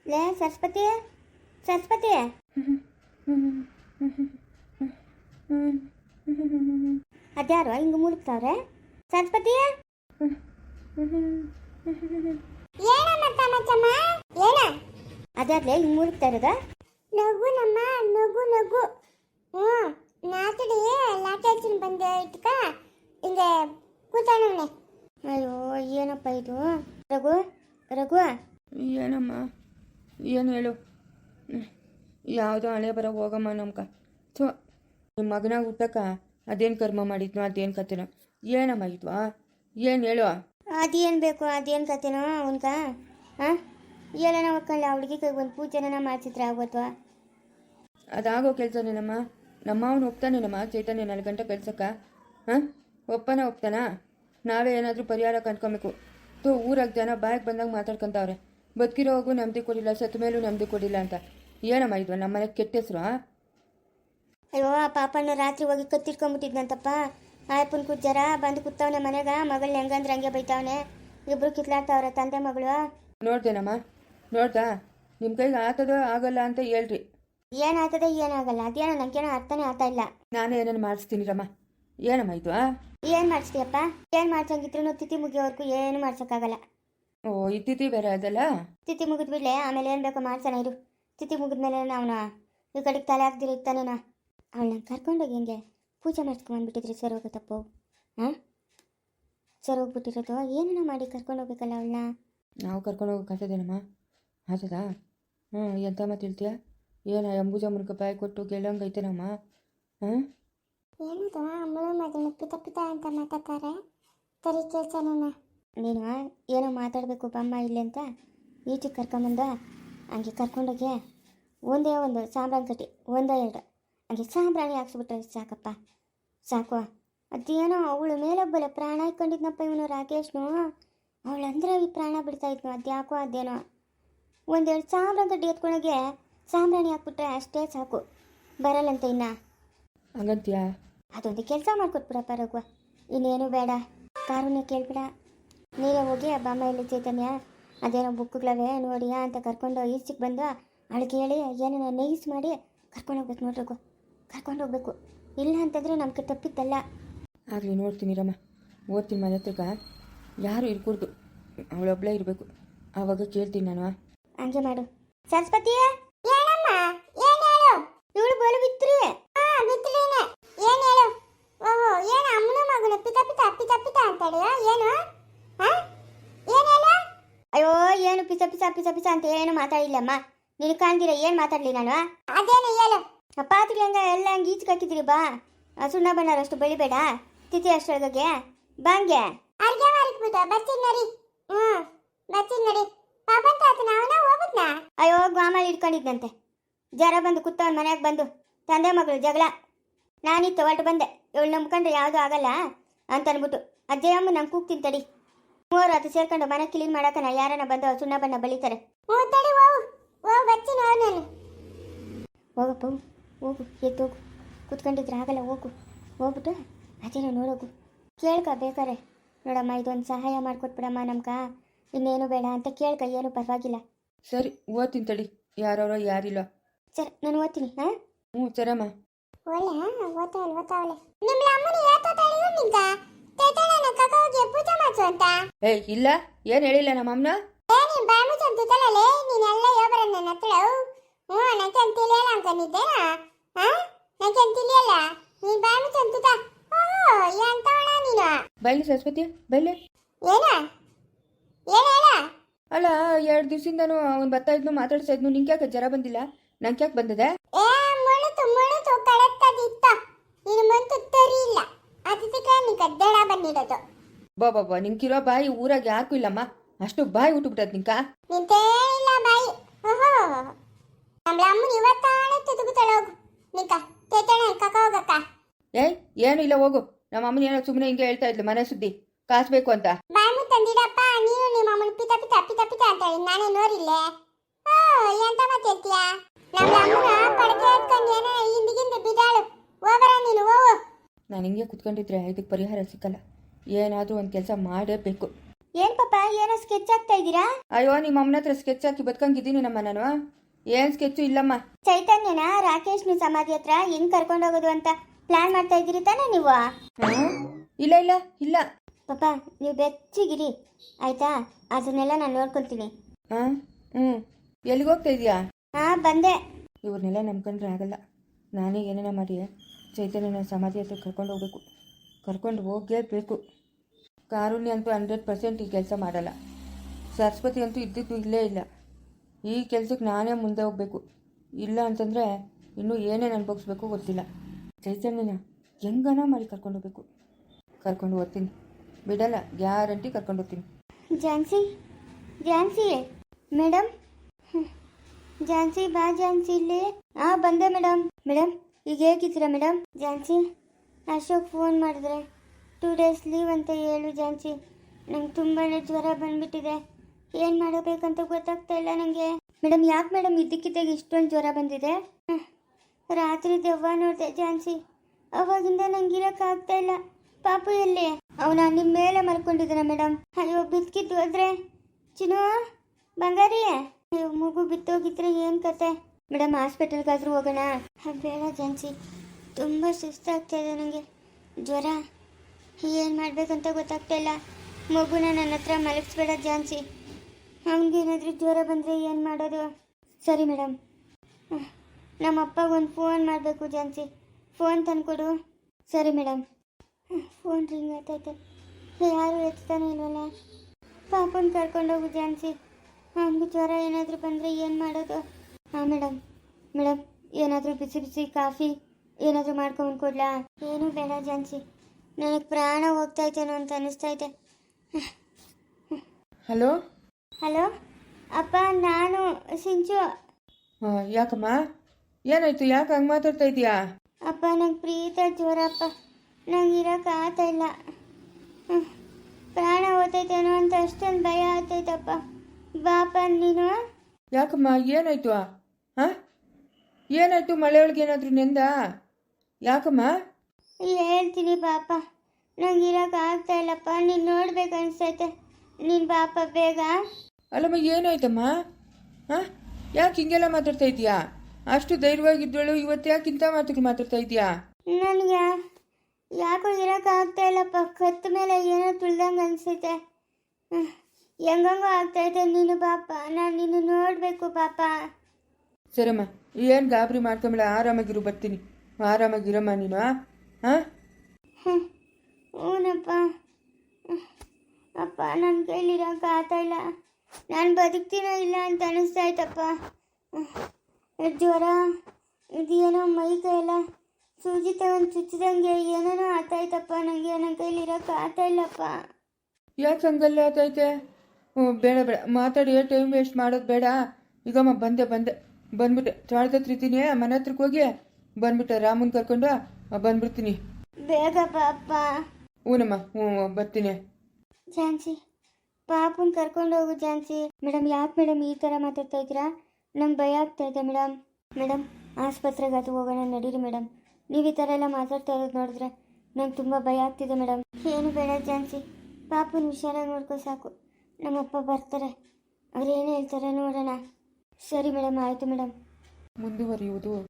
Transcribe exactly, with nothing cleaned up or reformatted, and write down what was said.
ಲೇ ಸರಸ್ವತಿ ಸರಸ್ವತಿ ಅದ್ಯಾರು ಹಿಂಗೆ ಮುಳುಗ್ತಾವ್ರೆ ಸರಸ್ವತಿ ಅದ್ಯಾರ್ಲೆ ಹಿಂಗೆ ಮುಳುಗ್ತಾ ಇರೋದ ನಗು ನಮ್ಮ ನಗು ನಗು ಹ್ಞೂ ನಾತಡಿ ಲಾಟಾಚಿನ ಬಂದು ಇಟ್ಕ ಹಿಂಗೆ ಕೂತಾನವನೆ. ಅಯ್ಯೋ ಏನಪ್ಪ ಇದು ರಘು ರಘು ಏನಮ್ಮ ಏನು ಹೇಳು ಯಾವುದೋ ಹಣೆ ಬರೋ ಹೋಗಮ್ಮ ನಮ್ಕ ಥೋ ನಿಮ್ಮ ಮಗನಾಗ ಹುಟ್ಟಕ್ಕ ಅದೇನು ಕರ್ಮ ಮಾಡಿದ್ನೋ ಅದೇನು ಕತೆನೋ ಏನಮ್ಮ ಇದ್ವಾ ಏನು ಹೇಳು. ಅದೇನು ಬೇಕು ಅದೇನು ಕತೆನೋ ಅವನ್ಕ ಹಾಂ ಏನೇನ ಒಕ್ಕಂಡು ಆ ಹುಡುಗಿ ಕೈಗೆ ಒಂದು ಪೂಜೆನ ಮಾಡಿಸಿದ್ರೆ ಆಗೋತ್ವಾ. ಅದಾಗೋ ಕೆಲಸನೇನಮ್ಮ ನಮ್ಮ ಅವನು ಒಪ್ತಾನೇನಮ್ಮ ಚೈತನ್ಯ ನಾಲ್ಕು ಗಂಟೆ ಕಳ್ಸಕ್ಕ ಹಾಂ ಒಪ್ಪನ ಒಪ್ತಾನಾ. ನಾವೇ ಏನಾದರೂ ಪರಿಹಾರ ಕಂಡ್ಕೊಬೇಕು. ತೋ ಊರಾಗ ಜನ ಬಾಯಿಗೆ ಬಂದಾಗ ಮಾತಾಡ್ಕೊತಾವ್ರೆ ಬದುಕಿರೋವಾಗೂ ನೆಮ್ಮದಿ ಕೊಡಿಲ್ಲ ಸತ್ತ ಮೇಲೂ ನೆಮ್ಮದಿ ಕೊಡಿಲ್ಲ ಅಂತ. ಏನಮ್ಮ ಇದ್ವಾ ನಮ್ಮ ಮನೆಗೆ ಕೆಟ್ಟ ಹೆಸರು. ಅಯ್ಯೋ ಆ ಪಾಪಣ್ಣ ರಾತ್ರಿ ಹೋಗಿ ಕತ್ತಿಟ್ಕೊಂಡ್ಬಿಟ್ಟಿದ್ನಂತಪ್ಪ. ಆಯಪ್ಪನ ಕುಜ್ಜರ ಬಂದು ಕೂತವನೆ ಮನೆಗ ಮಗಳನ್ನ ಹೆಂಗಂದ್ರೆ ಹಂಗೆ ಬೈತಾವನೆ. ಇಬ್ರು ಕಿತ್ಲಾಡ್ತಾವ್ರೆ ತಂದೆ ಮಗಳು. ನೋಡ್ದೇನಮ್ಮ ನೋಡ್ದಾ ನಿಮ್ಮ ಕೈಗೆ ಆತದೋ ಆಗಲ್ಲ ಅಂತ ಹೇಳ್ರಿ. ಏನಾಗ್ತದೆ ಏನಾಗಲ್ಲ ಅದೇನೋ ನನಗೇನೋ ಅರ್ಥನೇ ಆಗ್ತಾ ಇಲ್ಲ. ನಾನೇ ಏನೇನು ಮಾಡಿಸ್ತೀನಿ ರಮ್ಮ. ಏನಮ್ಮ ಇದು ಏನು ಮಾಡಿಸ್ತೀಯಪ್ಪ ಏನು ಮಾಡ್ಸಂಗಿದ್ರು ತಿಥಿ ಮುಗಿಯೋವರೆಗೂ ಏನು ಮಾಡ್ಸೋಕ್ಕಾಗಲ್ಲ. ಓ ಈ ತಿಥಿ ಬೇರೆ ಅದಲ್ಲ. ತಿಥಿ ಮುಗಿದ್ಬಿಡ್ಲೆ ಆಮೇಲೆ ಏನು ಬೇಕೋ ಮಾಡ್ಸೋಣ ಇರು. ತಿಥಿ ಮುಗಿದ್ಮೇಲೆ ಅವನ ಈ ಕಡೆಗೆ ತಲೆ ಹಾಕ್ದಿರ ಇರ್ತಾನೇನ. ಅವಳನ್ನ ಕರ್ಕೊಂಡೋಗಿ ಹೆಂಗೆ ಪೂಜೆ ಮಾಡಿಸ್ಕೊಂಡ್ಬಂದ್ಬಿಟ್ಟಿದ್ರಿ ಸರ್ ಹೋಗುತ್ತಪ್ಪು. ಹಾಂ ಸರ್ ಹೋಗ್ಬಿಟ್ಟಿರೋದು ಏನೇನೋ ಮಾಡಿ ಕರ್ಕೊಂಡು ಹೋಗ್ಬೇಕಲ್ಲ ಅವಳನ್ನ. ನಾವು ಕರ್ಕೊಂಡು ಹೋಗೋಕ್ಕಾಗ್ತದೇನಮ್ಮ ಆಗ್ತದಾ. ಹ್ಞೂ ಎಂತ ಮಾತು ಹೇಳ್ತೀಯ ಏನ ಅಂಬುಜ ಮುನ್ಕ ಬಾಯಿ ಕೊಟ್ಟು ಗೆಲ್ಲಂಗೈತೇನಮ್ಮ. ಹಾಂ ಏನದು ಅಮ್ಮಳು ಮಗಳು ಪಿತ ಪಿತ ಅಂತ ಮಾತಾಡ್ತಾರೆ ಸರಿ ಕೇಳ್ಸೋಣ. ನೀನು ಏನೋ ಮಾತಾಡಬೇಕು ಬಮ್ಮ ಇಲ್ಲಿ ಅಂತ ಈಚೆಗೆ ಕರ್ಕೊಂಬಂದ ಹಂಗೆ ಕರ್ಕೊಂಡೋಗಿ ಒಂದೇ ಒಂದು ಸಾಂಬ್ರಾಣಿ ಕಟ್ಟಿ ಒಂದೇ ಎರಡು ಹಂಗೆ ಸಾಂಬ್ರಾಣಿ ಹಾಕ್ಸ್ಬಿಟ್ರೆ ಸಾಕಪ್ಪ ಸಾಕು. ಅದೇನೋ ಅವಳು ಮೇಲೊಬ್ಬಲೆ ಪ್ರಾಣ ಇಟ್ಕೊಂಡಿದ್ನಪ್ಪ ಇವನು ರಾಕೇಶ್ನು. ಅವಳಂದ್ರೆ ಈ ಪ್ರಾಣ ಬಿಡ್ತಾ ಇದ್ನು ಅದ್ಯಾಕೋ ಅದೇನೋ ಒಂದೆರಡು ಸಾಂಬ್ರಾಣಿ ಕಟ್ಟಿ ಎತ್ಕೊಂಡೋಗಿ ಸಾಂಬ್ರಾಣಿ ಹಾಕ್ಬಿಟ್ರೆ ಅಷ್ಟೇ ಸಾಕು ಬರಲ್ಲಂತ ಇನ್ನ. ಹಂಗಂತೀಯಾ ಅದೊಂದು ಕೆಲಸ ಮಾಡಿಕೊಟ್ಬಿಡಪ್ಪ ರಘುವ ಇನ್ನೇನು ಬೇಡ ಕಾರುಣ್ಯ ಕೇಳ್ಬಿಡ. ನೀರೇ ಹೋಗಿ ಬಾಮ್ಮ ಇಲ್ಲಿ ಚೈತನ್ಯ ಅದೇನೋ ಬುಕ್ಗಳವೆ ನೋಡಿಯಾ ಅಂತ ಕರ್ಕೊಂಡು ಈಚೆಗೆ ಬಂದು ಅವಳಿಗೆ ಹೇಳಿ ಏನೇನೋ ನೈಸ್ ಮಾಡಿ ಕರ್ಕೊಂಡು ಹೋಗ್ಬೇಕು ನೋಡ್ರಿ ರಘು ಕರ್ಕೊಂಡು ಹೋಗ್ಬೇಕು. ಇಲ್ಲ ಅಂತಂದರೆ ನಮ್ಗೆ ತಪ್ಪಿದ್ದಲ್ಲ. ಆಗಲಿ ನೋಡ್ತೀನಿ ರಮ್ಮ ಓದ್ತೀನಿ ಮನೆ ಹತ್ರಕ್ಕ ಯಾರು ಇರ್ಕೂಡ್ದು ಅವಳೊಬ್ಳೇ ಇರಬೇಕು ಆವಾಗ ಕೇಳ್ತೀನಿ ನಾನು. ಹಂಗೆ ಮಾಡು ಸರಸ್ವತಿ. ಏನಮ್ಮ ಏನು ಹೇಳು. ಇವಳು ಬೋಲು ಬಿತ್ರಿ. ಹಾಂ ಬಿತ್ತಲೇನೆ ಏನು ಹೇಳು. ಓಹೋ ಏನು ಅಮ್ಮನ ಮಗನ ಪಿತ ಪಿತ ಪಿತ ಪಿತ ಅಂತಾಳೆ ಏನು. ಹಾಂ ಏನು ಹೇಳು. ಅಯ್ಯೋ ಏನು ಪಿಸ ಪಿಸ ಪಿಸ ಪಿಸ ಅಂತ ಏನು ಮಾತಾಡಿಲ್ಲಮ್ಮ. ನಿನಗೆ ಕಾಣ್ದಿರ ಏನು ಮಾತಾಡಲಿ ನಾನು. ಅದೇನು ಹೇಳು. ಪಾತ್ರೆ ಹಂಗ ಎಲ್ಲ ಹಂಗೆ ಈಚೆಗೆ ಹಾಕಿದ್ರಿ ಬಾ. ಸುಣ್ಣ ಬಣ್ಣರಷ್ಟು ಬೆಳಿಬೇಡ ತಿಥಿ ಅಷ್ಟೊಳಗೆ ಬಾಂಗೆ ಅರ್ಗೆ ಮಾರಿಕ್ಬಿಟ್ಟು ಬರ್ತೀನಿ ನಡಿ. ಹ್ಞೂ ಬರ್ತೀನಿ ನಡಿ. ಪಾಪಂತ ಆತನ ಅವನ ಹೋಗುತ್ನಾ. ಅಯ್ಯೋ ಗ್ವಾಮಲ್ಲಿ ಇಟ್ಕೊಂಡಿದ್ದಂತೆ ಜರ ಬಂದು ಕೂತವನ್ ಮನ್ಯಾಗ ಬಂದು ತಂದೆ ಮಗಳು ಜಗಳ. ನಾನಿತ್ತು ಹೊರಟು ಬಂದೆ ಇವಳು ನಂಬ್ಕೊಂಡ್ರೆ ಯಾವುದೂ ಆಗಲ್ಲ ಅಂತ ಅನ್ಬಿಟ್ಟು ಅಜ್ಜಯ್ಯಮ್ಮ ನಂಗೆ ಕೂಗ್ತೀನಿ ತಡಿ. ಮೂವರು ಅದು ಸೇರ್ಕೊಂಡು ಮನೆ ಕ್ಲೀನ್ ಮಾಡಕನ ಯಾರನ್ನ ಬಂದು ಸುಣ್ಣ ಬಣ್ಣ ಬಳಿತಾರೆ. ಹ್ಞೂ ತಡಿ ಹೋಗು ಹೋಗು ಬರ್ತೀನಿ ಹೋಗು ನಾನು. ಹೋಗಪ್ಪ ಹೋಗು ಎದ್ದು ಹೋಗು ಕೂತ್ಕೊಂಡಿದ್ರೆ ಆಗಲ್ಲ ಹೋಗು ಹೋಗ್ಬಿಟ್ಟು ಅದೇನೋ ನೋಡೋಗು ಕೇಳ್ಕ ಬೇಕಾರೆ ನೋಡಮ್ಮ ಇದೊಂದು ಸಹಾಯ ಮಾಡಿಕೊಟ್ಬಿಡಮ್ಮ ನಮ್ಕ ಇನ್ನೇನು ಬೇಡ ಅಂತ ಕೇಳ್ಕ ಏನು ಪರವಾಗಿಲ್ಲ. ಸರಿ ಓದ್ತೀನಿ ತಡಿ ಯಾರವರೋ ಯಾರಿಲ್ಲ. ಸರಿ ನಾನು ಓದ್ತೀನಿ. ಹಾಂ ಹ್ಞೂ ಸರಮ್ಮ. ಒಳ್ಳೆ ಓದ್ತಾವಲ್ಲ ಓದ್ತಾವಲ್ಲ ನಿಮ್ಮ ಅಮ್ಮನ ಯಾತೋ ತಳಿಯು ನಿಂಕ ತೇತಳನ ಕಕ್ಕ ಹೋಗಿ ಪೂಜೆ ಮಾಡ್ಸು ಅಂತ. ಏಯ್ ಇಲ್ಲ ಏನು ಹೇಳಿಲ್ಲ ನಮ್ಮ ಅಮ್ಮನ. ಏ ನೀನು ಬಾಯಿ ಮುಚ್ಚಂತಿದ್ದಲೇ ನೀನೆಲ್ಲ ಯೋಬರ ನನ್ನ ಹತ್ರ. ಹ್ಞೂ ನನಗೆ ತಿಳಿಯಲ್ಲ ಅನ್ಕೊಂಡಿದ್ದೇನಾ. ಹಾಂ ನನಗೆ ತಿಳಿಯಲ್ಲ ನೀನು ಬಾಯಿ ಮುಚ್ಚಂತಿದ್ದ. ಓಹೋ ಎಂತವಳ ನೀನು. ಬೈಲಿ ಸರಸ್ವತಿ ಬೈಲಿ. ಏನ ಏನು ಹೇಳ. ಅಲ್ಲ ಎರಡು ದಿವಸದಿಂದನೂ ಅವ್ನು ಬರ್ತಾ ಇದ್ನು ಮಾತಾಡ್ತಾ ಇದ್ನು ನಿಂಗೆ ಯಾಕೆ ಜ್ವರ ಬಂದಿಲ್ಲ ನಂಗೆ ಯಾಕೆ ಬಂದಿದೆ. ಏ ಮುಳುತು ಮುಳುತು ಕಳತ್ತದಿತ್ತ ನೀನು ಮಂತು ತರಿ ಇಲ್ಲ ಅದಕ್ಕೆ ನೀ ಕದ್ದಡ ಬಂದಿಡೋದು. ಬಾ ಬಾಬಾ ನಿಂಗಿರೋ ಬಾಯಿ ಊರಾಗ ಯಾಕೂ ಇಲ್ಲಮ್ಮ ಅಷ್ಟು ಬಾಯಿ ಉಟ್ಬಿಟ್ಟದ್ ನಿಂಕ. ನಿಂತೇ ಇಲ್ಲ ಬಾಯಿ. ಓಹೋ ನಮ್ಮ ಅಮ್ಮನ ಇವತ್ತಾಳೆ ತುದುಗುತ್ತಾಳೆ ಹೋಗು ನಿಂಕ ತೇತಣ ಕಕ್ಕ ಹೋಗಕ್ಕ. ಏಯ್ ಏನು ಇಲ್ಲ ಹೋಗು ನಮ್ಮ ಅಮ್ಮನ ಏನೋ ಸುಮ್ಮನೆ ಹಿಂಗೆ ಹೇಳ್ತಾ ಇದ್ಲು ಮನೆ ಸುದ್ದಿ ಕಾಸು ಬೇಕು ಅಂತ. ಬಾಯಿ ಮುತ್ತಂದಿಡಪ್ಪ ನೀನು ನಿಮ್ಮ ಅಮ್ಮನ ಪಿತ ಪಿತ ಪಿತ ಪಿತ ಅಂತ ಹೇಳಿ ನಾನೇ ನೋಡಿಲ್ಲೆ. ಓ ಎಂತ ಮಾತು ಹೇಳ್ತೀಯಾ. ನಮ್ಮ ಅಮ್ಮನ ಪಡಕೆ ಹತ್ಕೊಂಡು ಏನೋ ಹಿಂದಿಗಿಂದ ಬಿದ್ದಾಳು ಹೋಗರ ನೀನು ಹೋಗು. ನಾನು ಹಿಂಗೆ ಕುತ್ಕೊಂಡಿದ್ರೆ ಇದಕ್ಕೆ ಪರಿಹಾರ ಸಿಕ್ಕಲ್ಲ ಏನಾದರೂ ಒಂದು ಕೆಲಸ ಮಾಡೇಬೇಕು. ಏನ್ ಪಾಪ ಏನೋ ಸ್ಕೆಚ್ ಆಗ್ತಾ ಇದ್ದೀರಾ? ಅಯ್ಯೋ ನಿಮ್ಮ ಅಮ್ಮನ ಹತ್ರ ಸ್ಕೆಚ್ ಹಾಕಿ ಬದುಕಂಗಿದ್ದೀನಿ ನಮ್ಮ ನಾನು. ಏನು ಸ್ಕೆಚ್ಚು ಇಲ್ಲಮ್ಮ. ಚೈತನ್ಯನ ರಾಕೇಶ್ನ ಸಮಾಧಿ ಹತ್ರ ಹೆಂಗ್ ಕರ್ಕೊಂಡು ಹೋಗೋದು ಅಂತ ಪ್ಲಾನ್ ಮಾಡ್ತಾ ಇದ್ದೀರಿ ತಾನೇ ನೀವು? ಹಾಂ ಇಲ್ಲ ಇಲ್ಲ ಇಲ್ಲ ಪಾಪ ನೀವು ಬೆಚ್ಚಿಗಿರಿ ಆಯ್ತಾ, ಅದನ್ನೆಲ್ಲ ನಾನು ನೋಡ್ಕೊಳ್ತೀನಿ. ಹಾಂ ಹ್ಞೂ ಎಲ್ಲಿಗೆ ಹೋಗ್ತಾ ಇದೀಯಾ? ಹಾ ಬಂದೆ. ಇವ್ರನ್ನೆಲ್ಲ ನಂಬ್ಕೊಂಡ್ರೆ ಆಗಲ್ಲ. ನಾನೇ ಏನೇನ ಮಾಡಿ ಚೈತನ್ಯನ ಸಮಾಧಿ ಹತ್ರ ಕರ್ಕೊಂಡು ಹೋಗ್ಬೇಕು. ಕರ್ಕೊಂಡು ಹೋಗಲೇಬೇಕು. ಕಾರುಣ್ಯ ಅಂತೂ ಹಂಡ್ರೆಡ್ ಪರ್ಸೆಂಟ್ ಈ ಕೆಲಸ ಮಾಡಲ್ಲ. ಸರಸ್ವತಿ ಅಂತೂ ಇದ್ದಿದ್ದು ಇಲ್ಲೇ ಇಲ್ಲ. ಈ ಕೆಲಸಕ್ಕೆ ನಾನೇ ಮುಂದೆ ಹೋಗಬೇಕು. ಇಲ್ಲ ಅಂತಂದರೆ ಇನ್ನೂ ಏನೇನು ಅನ್ಭವಿಸ್ಬೇಕು ಗೊತ್ತಿಲ್ಲ. ಚೈತನ್ಯನ ಹೆಂಗನ ಮಾಡಿ ಕರ್ಕೊಂಡು ಹೋಗ್ಬೇಕು. ಕರ್ಕೊಂಡು ಹೋಗ್ತೀನಿ, ಬಿಡಲ್ಲ, ಗ್ಯಾರಂಟಿ ಕರ್ಕೊಂಡು ಹೋಗ್ತೀನಿ. ಝಾನ್ಸಿ ಝಾನ್ಸಿ ಮೇಡಮ್, ಝಾನ್ಸಿ ಬಾ ಝಾನ್ಸಿ ಇಲ್ಲಿ. ಹಾಂ ಬಂದೆ ಮೇಡಮ್. ಮೇಡಮ್ ಈಗ ಹೇಗಿದ್ದೀರಾ ಮೇಡಮ್? ಝಾನ್ಸಿ ಅಶೋಕ್ ಫೋನ್ ಮಾಡಿದ್ರೆ ಟೂ ಡೇಸ್ ಲೀವ್ ಅಂತ ಹೇಳು ಝಾನ್ಸಿ. ನಂಗೆ ತುಂಬಾ ಜ್ವರ ಬಂದ್ಬಿಟ್ಟಿದೆ, ಏನು ಮಾಡಬೇಕಂತ ಗೊತ್ತಾಗ್ತಾ ಇಲ್ಲ ನನಗೆ. ಮೇಡಮ್ ಯಾಕೆ ಮೇಡಮ್ ಇದ್ದಕ್ಕಿದ್ದಾಗ ಇಷ್ಟೊಂದು ಜ್ವರ ಬಂದಿದೆ? ಹ್ಮ್. ರಾತ್ರಿ ದೆವ್ವ ನೋಡಿದೆ ಝಾನ್ಸಿ, ಅವಾಗಿಂದ ನಂಗೆ ಇರೋಕ್ಕಾಗ್ತಾ ಇಲ್ಲ. ಪಾಪು ಎಲ್ಲಿ? ಅವನ ನಿಮ್ಮ ಮೇಲೆ ಮಲ್ಕೊಂಡಿದ್ದಾನೆ ಮೇಡಮ್. ಅಯ್ಯೋ ಬಿದ್ಕಿದ್ದು ಹೋದ್ರೆ ಚಿನ್ನು ಬಂಗಾರಿ, ಅಯ್ಯೋ ಮಗು ಬಿತ್ತೋಗಿದ್ರೆ ಏನು ಕತೆ? ಮೇಡಮ್ ಹಾಸ್ಪಿಟಲ್ಗಾದ್ರೂ ಹೋಗೋಣ? ಬೇಡ ಝಾನ್ಸಿ, ತುಂಬ ಸುಸ್ತಾಗ್ತಾ ಇದೆ ನನಗೆ, ಜ್ವರ, ಏನು ಮಾಡಬೇಕಂತ ಗೊತ್ತಾಗ್ತಾ ಇಲ್ಲ. ಮಗುನ ನನ್ನ ಹತ್ರ ಮಲಗಿಸ್ಬೇಡ ಝಾನ್ಸಿ, ಅವನಿಗೇನಾದರೂ ಜ್ವರ ಬಂದರೆ ಏನು ಮಾಡೋದು? ಸರಿ ಮೇಡಮ್. ನಮ್ಮ ಅಪ್ಪಗೆ ಒಂದು ಫೋನ್ ಮಾಡಬೇಕು ಝಾನ್ಸಿ, ಫೋನ್ ತಂದುಕೊಡು. ಸರಿ ಮೇಡಮ್. ಫೋನ್ ರಿಂಗ್ ಆಗ್ತೈತೆ, ಯಾರು ಎತ್ತಾನೆ ಇಲ್ವಲ್ಲ. ಪಾಪನ ಕರ್ಕೊಂಡೋಗು ಝಾನ್ಸಿ, ಅವನಿಗೆ ಜ್ವರ ಏನಾದರೂ ಬಂದರೆ ಏನು ಮಾಡೋದು? ಹಾಂ ಮೇಡಮ್. ಮೇಡಮ್ ಏನಾದರೂ ಬಿಸಿ ಬಿಸಿ ಕಾಫಿ ಏನಾದರೂ ಮಾಡ್ಕೊಂಡು ಕೊಡ್ಲಾ? ಏನೂ ಬೇಡ ಝಾನ್ಸಿ, ನನಗೆ ಪ್ರಾಣ ಹೋಗ್ತಾಯಿದ್ದೇನೋ ಅಂತ ಅನ್ನಿಸ್ತೈತೆ. ಹಲೋ ಹಲೋ ಅಪ್ಪ, ನಾನು ಸಿಂಚು. ಹಾಂ ಯಾಕಮ್ಮ, ಏನಾಯ್ತು? ಯಾಕೆ ಹಂಗೆ ಮಾತಾಡ್ತಾ ಇದೀಯಾ? ಅಪ್ಪ ನಂಗೆ ಪ್ರೀತ ಜ್ವರ ಅಪ್ಪ, ನಂಗೆ ಇರೋಕೆ ಆಗ್ತಾ ಇಲ್ಲ. ಹ್ಮ್. ಪ್ರಾಣ ಹೋಗ್ತೈತೇನೋ ಅಂತ ಅಷ್ಟೊಂದು ಭಯ ಆಗ್ತೈತಪ್ಪ. ಬಾಪ ನೀನು. ಯಾಕಮ್ಮ ಏನಾಯ್ತು? ಹಾಂ ಏನಾಯ್ತು? ಮಳೆ ಒಳಗೆ ಏನಾದರೂ ನೆಂದ? ಯಾಕಮ್ಮ? ಹೇಳ್ತೀನಿ ಬಾಪ, ನಂಗೆ ಇರೋಕೆ ಆಗ್ತಾ ಇಲ್ಲಪ್ಪ, ನೀನು ನೋಡ್ಬೇಕು ಅನಿಸ್ತೈತೆ, ನೀನು ಬಾಪ ಬೇಗ. ಅಲ್ಲಮ್ಮ ಏನಾಯ್ತಮ್ಮ? ಹಾಂ ಯಾಕೆ ಹಿಂಗೆಲ್ಲ ಮಾತಾಡ್ತಾ ಇದೀಯಾ? ಅಷ್ಟು ಧೈರ್ಯವಾಗಿದ್ದಳು, ಇವತ್ತು ಯಾಕೆ ಇಂಥ ಮಾತುಗಳು ಮಾತಾಡ್ತಾ ಇದೀಯಾ? ನನಗೆ ಯಾಕೋ ಇರೋಕೆ ಆಗ್ತಾ ಇಲ್ಲಪ್ಪ, ಕತ್ತ ಮೇಲೆ ಏನೋ ತುಳ್ದಂಗೆ ಅನಿಸ್ತೈತೆ, ಹೆಂಗಂಗೋ ಆಗ್ತೈತೆ. ನೀನು ಬಾಪ, ನಾನು ನಿನ್ನ ನೋಡಬೇಕು ಪಾಪ. ಸರಮ್ಮ, ಏನು ಗಾಬರಿ ಮಾಡ್ಕೊಂಬೇಡ, ಆರಾಮಾಗಿರು, ಬರ್ತೀನಿ. ಆರಾಮಾಗಿರಮ್ಮ ನೀನು. ಹಾಂ ಹ್ಞೂನಪ್ಪ. ಅಪ್ಪ ನನ್ನ ಕೈಲಿರೋಕೆ ಆಗ್ತಾ ಇಲ್ಲ, ನಾನು ಬದುಕ್ತೀನೋ ಇಲ್ಲ ಅಂತ ಅನಿಸ್ತಾಯ್ತಪ್ಪ. ಜ್ವರ, ಇದೇನೋ ಮೈ ಕೈಯೆಲ್ಲ ಸೂಜಿ ತಗೊಂಡು ಚುಚ್ಚಿದಂಗೆ ಏನೇನೋ ಆಗ್ತಾಯ್ತಪ್ಪ, ನನಗೆ ನನ್ನ ಕೈಲಿರೋಕೆ ಆಗ್ತಾ ಇಲ್ಲಪ್ಪ. ಯಾಕೆ ಹಂಗಲ್ಲ ಆತೈತೆ? ಹ್ಞೂ ಬೇಡ ಬೇಡ ಮಾತಾಡಿ, ಟೈಮ್ ವೇಸ್ಟ್ ಮಾಡೋದು ಬೇಡ. ಈಗಮ್ಮ ಬಂದೆ ಬಂದೆ ಬಂದ್ಬಿಟ್ಟೆ, ಚಾಳ್ದ ಹತ್ರ ಇದ್ದೀನಿ, ಮನೆ ಹತ್ರಕ್ಕೆ ಹೋಗಿ ಬಂದ್ಬಿಟ್ಟೆ, ರಾಮನ್ ಕರ್ಕೊಂಡು ಬಂದ್ಬಿಡ್ತೀನಿ. ಬೇಗ ಪಾಪ. ಹ್ಞೂನಮ್ಮ, ಹ್ಞೂ ಬರ್ತೀನಿ. ಝಾನ್ಸಿ ಪಾಪನ್ ಕರ್ಕೊಂಡು ಹೋಗು ಝಾನ್ಸಿ. ಮೇಡಮ್ ಯಾಕೆ ಮೇಡಮ್ ಈ ಥರ ಮಾತಾಡ್ತಾ ಇದ್ದೀರಾ? ನಂಗೆ ಭಯ ಆಗ್ತಾ ಇದೆ ಮೇಡಮ್. ಮೇಡಮ್ ಆಸ್ಪತ್ರೆಗೆ ಅದು ಹೋಗೋಣ ನಡೀರಿ ಮೇಡಮ್. ನೀವು ಈ ಥರ ಎಲ್ಲ ಮಾತಾಡ್ತಾ ಇರೋದು ನೋಡಿದ್ರೆ ನಂಗೆ ತುಂಬ ಭಯ ಆಗ್ತಿದೆ ಮೇಡಮ್. ಏನು ಬೇಡ ಝಾನ್ಸಿ, ಪಾಪನ ಹುಷಾರಾಗಿ ನೋಡ್ಕೊ ಸಾಕು. ನಮ್ಮಪ್ಪ ಬರ್ತಾರೆ, ಅವ್ರು ಏನು ಹೇಳ್ತಾರೆ ನೋಡೋಣ. ಸರಿ ಮೇಡಮ್, ಆಯಿತು ಮೇಡಮ್. ಮುಂದುವರಿಯುವುದು